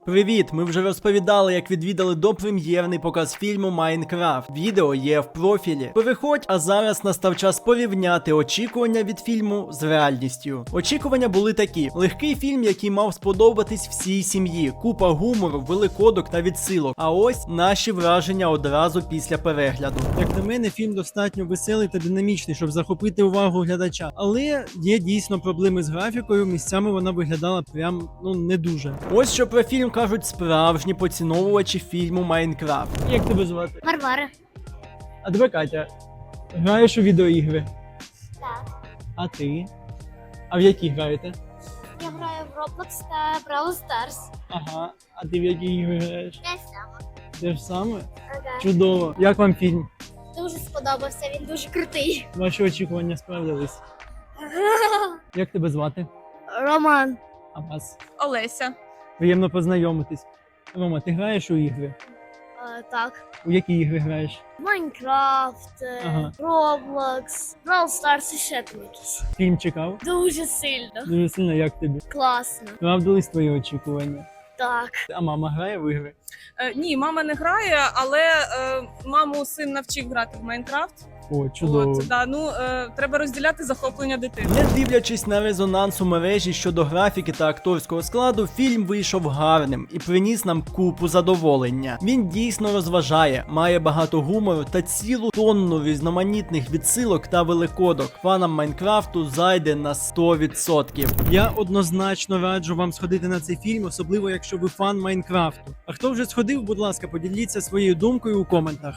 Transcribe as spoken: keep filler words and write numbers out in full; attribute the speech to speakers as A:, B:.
A: Привіт! Ми вже розповідали, як відвідали допрем'єрний показ фільму Майнкрафт. Відео є в профілі. Переходь, а зараз настав час порівняти очікування від фільму з реальністю. Очікування були такі: легкий фільм, який мав сподобатись всій сім'ї, купа гумору, великодок та відсилок. А ось наші враження одразу після перегляду. Як на мене, фільм достатньо веселий та динамічний, щоб захопити увагу глядача. Але є дійсно проблеми з графікою. Місцями вона виглядала прям ну не дуже. Ось що про фільм кажуть справжні поціновувачі фільму Майнкрафт. Як тебе звати?
B: Варвара.
A: А тебе Катя. Граєш у відеоігри?
B: Так.
A: А ти? А в які граєте?
B: Я граю в Roblox та Brawl Stars.
A: Ага. А ти в які ігри граєш?
B: Те саме.
A: Те ж саме?
B: Ага.
A: Чудово. Як вам фільм?
B: Дуже сподобався, він дуже крутий.
A: Ваші очікування справдились. Як тебе звати?
B: Роман.
A: А вас?
C: Олеся.
A: Приємно познайомитись. Рома, ти граєш у ігри?
B: А, так.
A: У які ігри граєш?
B: Майнкрафт,
A: Ага.
B: Roblox, Brawl Stars і ще там якісь.
A: Фільм чекав?
B: Дуже сильно.
A: Дуже сильно, як тобі?
B: Класно.
A: Справдились твої очікування?
B: Так.
A: А мама грає в ігри?
C: Е, ні, мама не грає, але е, маму син навчив грати в Майнкрафт.
A: О, чудово.
C: От, да, ну, е, треба розділяти захоплення дитини.
A: Не дивлячись на резонанс у мережі щодо графіки та акторського складу, фільм вийшов гарним і приніс нам купу задоволення. Він дійсно розважає, має багато гумору та цілу тонну різноманітних відсилок та великодок. Фанам Майнкрафту зайде на сто відсотків. Я однозначно раджу вам сходити на цей фільм, особливо якщо ви фан Майнкрафту. А хто вже сходив, будь ласка, поділіться своєю думкою у коментах.